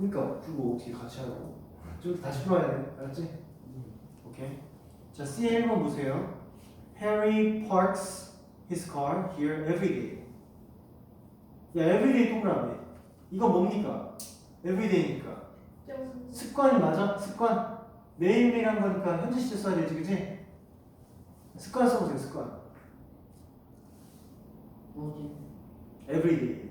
그러니까 그거 어떻게 같이 하라고? 좀 다시 풀어야 돼. 알았지? 오케이. 자, C의 1번 보세요. Harry parks his car here every day. 야, everyday 동그라미. 이거 뭡니까? everyday니까. 습관이 맞아? 습관. 매일매일 한 거니까 현재 시제 써야 되지, 그치? 습관 써보세요, 습관. 뭐지? everyday.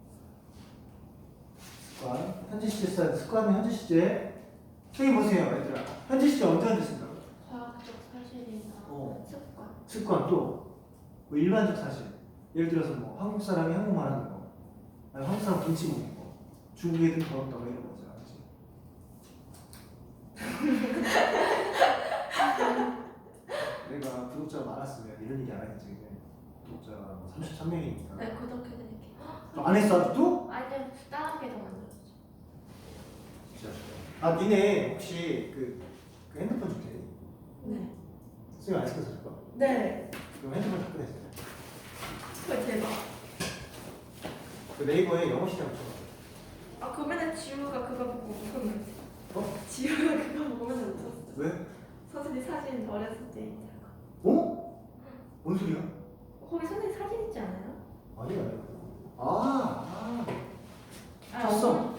습관. 현재 시제 써야 돼. 습관은 현재 시제. 선생님 보세요, 얘들아. 현재 시제 언제 쓴다고? 과학적 사실이나 습관. 습관 또 뭐 일반적 사실. 예를 들어서 뭐 한국 사람이 한국말 하는 거, 아니 한국 사람 김치 먹는 거, 중국 애들 더럽다고 이런 거잖아, 그치? 내가 구독자가 많았으면 이런 얘기 안 하겠지, 그치? 구독자가 뭐 33명이니까. 네, 구독해드릴게요. 안 했어 아직도? 아니요, 다른 게더 만들었죠. 진짜. 아 니네 혹시 그 핸드폰 줄 테니? 네. 선생님 안 시켜서 줄 거야? 네. 그럼 핸드폰 잡고 내세요. 헐, 대박. 그 네이버에 영어 시장 붙여봐. 아, 그러면은 지우가 그거 보고 웃으면 어? 지우가 그거 보면서 웃었어. 왜? 선생님 사진 어렸을 때 있잖아. 어? 뭔 소리야? 거기 선생님 사진 있지 않아요? 아니야, 아니야. 아. 봤어.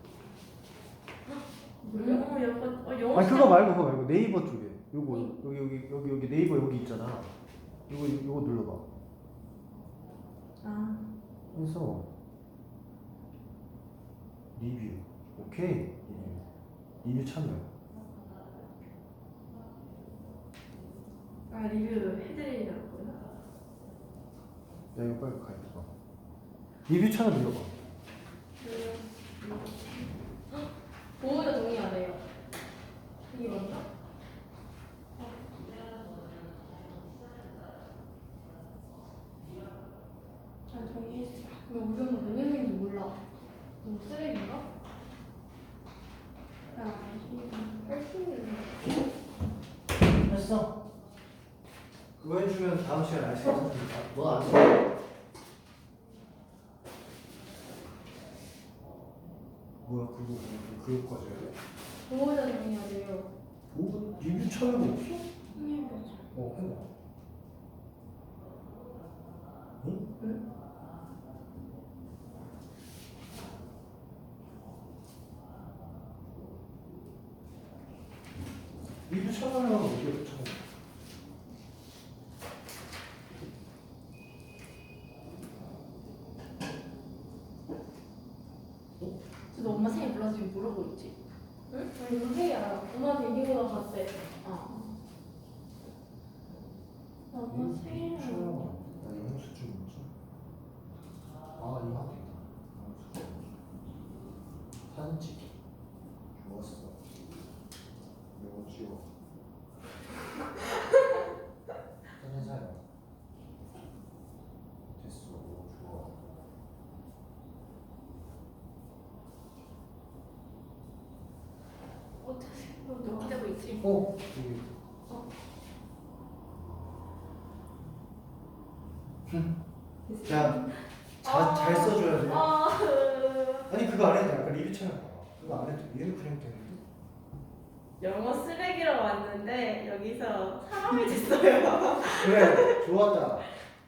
영어. 아니 그거 말고 네이버 쪽에 요거 여기 네이버 여기 있잖아. 요거 눌러봐. 아. 그래서 리뷰. 오케이. 리뷰 참여. 아, 리뷰 해드리려고요. 야 이거 빨리 가입해봐. 리뷰 참여 눌러봐. 보호자 동의 안 해요. 이게 맞나? 아, 동의했어. 근데 우리 엄마 뭐 했는지 몰라. 너무 쓰레기인가? 야, 했어. 그거 해주면 다음 시간에 알 수 있으니까. 너안 써. 뭐야 그거 과제야? 보호자 동의 안 해요. 뭐 리뷰 참여가 없어? 해보자. 해봐. 응? 응? 리뷰 참여하면 어디에 참여? 너 엄마 생일 몰라서 지금 물어보고 있지? 응? 아니 이거 회의 알아. 엄마한테 이기고 나갔대. 아. 나 엄마 생일 나 영수 좀 뭐지? 아 이거 하고 있다. 사진 찍기. 좋았어. 이거 찍어. 사진 사요. 됐어. 좋아. 너 기다리고 있지? 여기. 자, 잘 써줘야 돼. 아니 그거 안 해도 돼. 아까 리뷰 참여 봐봐. 그거 안 해도 돼. 얘는 그냥 되는데. 영어 쓰레기로 왔는데 여기서 사람이 됐어요. 그래, 좋았다.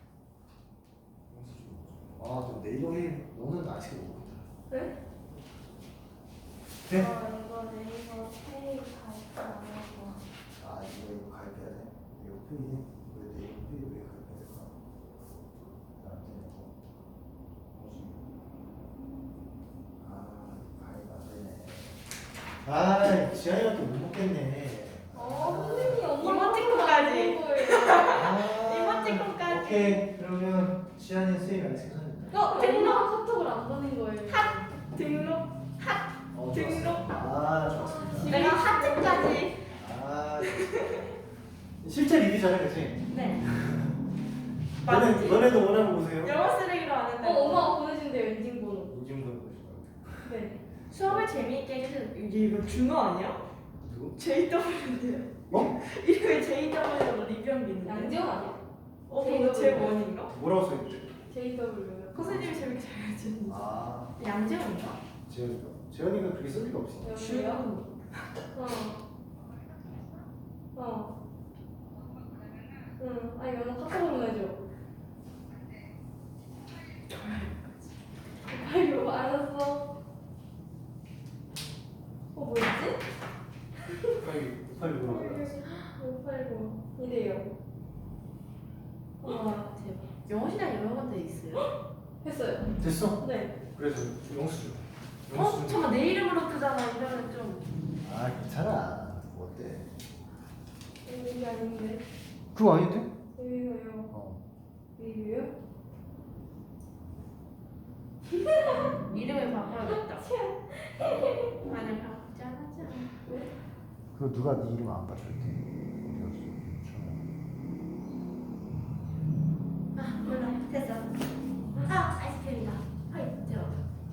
너 네이버 회의 너는 아직 모르겠다. 네? 네? 이거 네이버 페이 가입 안 하고. 이거 가입해야 돼? 이거 회의? 왜 네이버 회의 왜 가입해야 될까? 안 되네. 가입 안 되네. 지한이가 또 못 먹겠네. 선생님 이모티콘까지. 이모티콘까지. 오케이, 그러면 지한이 선생님이 안 시켜서 등록 카톡을 안 보낸 거예요. 등록. 등록. 좋았습니다. 내가 하트까지. 실제 리뷰잖아, 그치? 네. 너네도 원하는 거 보세요. 영어 쓰레기로 왔는데. 엄마가 보내준대요 인증번호. 인증번호 보시면. 네. 수업을 재미있게 해주세요. 이거 준호 아니야? 누구? JW인데요. 뭐? 이거 JW로 리뷰한 게 있는데. 양지원 아니야? 이거 제 원인가? 뭐라고 써있지? JW. 선생님이 재밌게 잘 해주는. 아, 양재원인가? 지현이가. 재현이가 그렇게 쓸 리가 없어. 여기요? 응. 아니 영어 카톡 보내줘. 빨리 와. 알았어. 뭐였지? 빨리 물어봐. 580 이래요. 와 대박. 영어 시간 여러 군데 있어요? 했어요. 됐어? 네. 그래서 영수 줘. 잠깐 내 이름으로 뜨잖아. 이러면 좀. 아 괜찮아. 뭐 어때? 이게 아닌데. 그거 아닌데? 여기가요. 어. 여기요? 이름을 바꿔야겠다. 아니 바꾸지 않았잖아. 그거 누가 네 이름 안 받쳤대? 아 몰라. 됐어. 아 아이스크림이다. 아이 대박.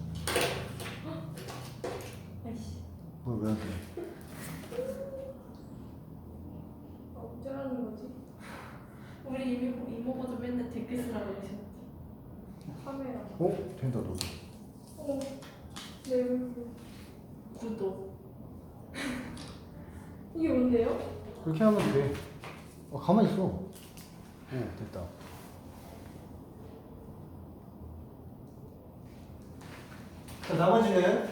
아이씨. 뭘왜 안 돼? 어쩌라는 거지? 우리 이모부도 맨날 댓글 쓰라고 그러셨지. 카메라. 어? 된다 너도. 내 얼굴. 구독. 이게 뭔데요? 그렇게 하면 돼. 가만히 있어. 오 됐다. 자, 나머지는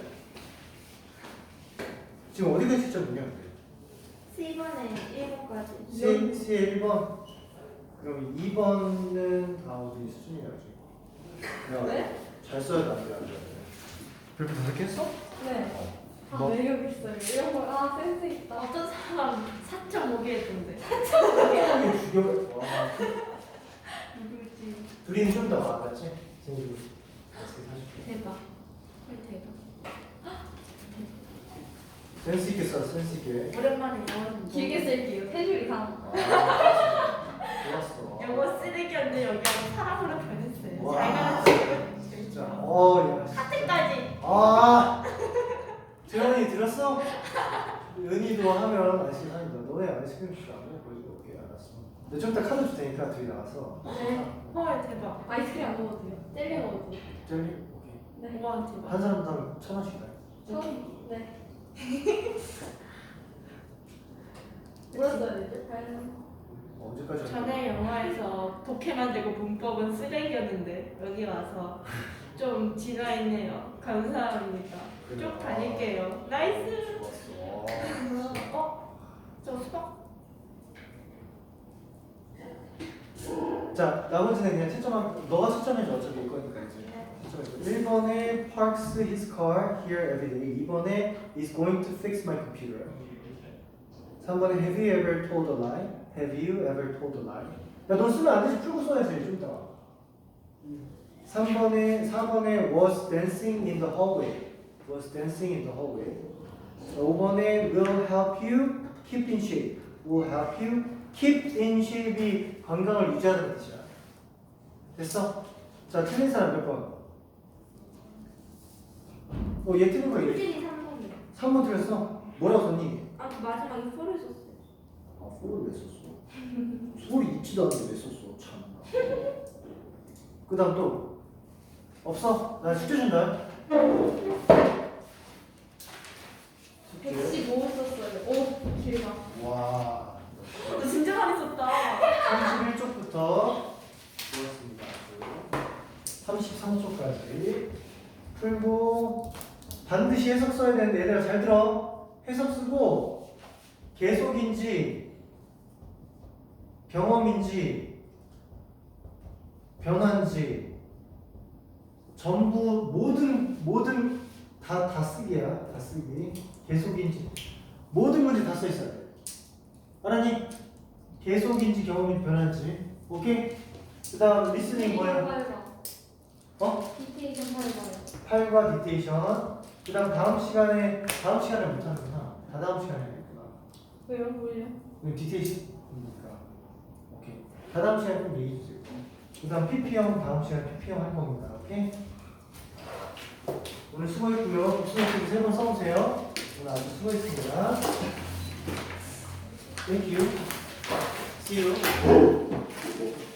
지금 어디가 진짜 뭐냐? C번에 1번까지. C 1번. 그럼 2번은 다 어디 수준이라지? 네? 잘 써야 돼, 안 돼, 안 돼. 별표 다섯 개 했어? 네. 뭐? 매력 있어요. 이런 거, 센스 있다. 어떤 사람 4.5개 했던데. 이게 죽여. 와. 누구지? 둘이는 좀 더 나았지? 생기고. 사줄게. 대박. 헐 대박. 센스 있게 써, 센스 있게. 오랜만에 영어 길게 쓸게요. 3줄 이상. 좋았어. 영어 쓰레기였는데 여기 사람으로 변했어요. 와. 잘 가르치고. 진짜. 야. 하트까지. 아. 재현이 들었어? 은희도 하면 아이스크림 사준다. 너네 아이스크림 줄 안 먹을 거지? 오케이, 알았어. 근데 좀 이따 카드 줄 테니까 둘이 나와서. 네. 헐 대박. 아이스크림 안 먹어도 돼요. 젤리 먹어도 돼요. 젤리? 오케이. 네. 와 대박. 한 사람당 1,000원씩 다. 처음? 네. 뭐라 써야 되죠? 언제까지 할 거야? 전에 영화에서 독해 만들고 문법은 쓰레기였는데 여기 와서 좀 진화했네요. 감사합니다. 쭉 다닐게요. 나이스. 좋았어. 저 수박. 자, 나머지는 그냥 채점한, 너가 채점해줘. 어차피 일 거니까 이제. 채점해줘. 1번에 parks his car here every day. 2번에 is going to fix my computer. 3번에 have you ever told a lie? Have you ever told a lie? 야, 너 쓰면 안 되지. 풀고 써야지. 좀 이따가. 4번에 was dancing in the hallway. Was dancing in the hallway. 5번에 will help you keep in shape. Will help you keep in shape이 건강을 유지하는 뜻이야. 됐어? 자, 틀린 사람 몇 번? 얘 틀린 거 얘. 솔직히 3번이요. 3번 틀렸어? 뭐라고 썼니? 아 마지막에 소리 썼어요. 소를 왜 썼어? 소리 있지도 않는데 왜 썼어? 참. 그 다음 또? 없어? 나 숙제 준다. 115 썼어요. 오, 길다. 와. 너 진짜 많이 썼다. 31쪽부터 좋았습니다. 33쪽까지 풀고 반드시 해석 써야 되는데 얘들아 잘 들어. 해석 쓰고 계속인지 경험인지 변화인지 전부 모든 다 쓰기야. 다 쓰기. 계속인지 모든 문제 다 써 있어야 돼. 알았니? 계속인지 경험인지 변화인지. 오케이? 그 다음 리스닝 뭐야? 어? 디테이션 해봐요. 8과 디테이션. 그 다음 다음 시간에 못하는구나. 다다음 시간에 하겠구나. 왜요? 뭐예요? 디테이션이니까. 오케이. 다다음 시간에 좀 얘기해 주세요. 그 다음 PP형 다음 시간에 PP형 할 겁니다. 오케이? 오늘 수고했고요. 복수노트 3번 써보세요. 오늘 아주 수고했습니다. Thank you. See you.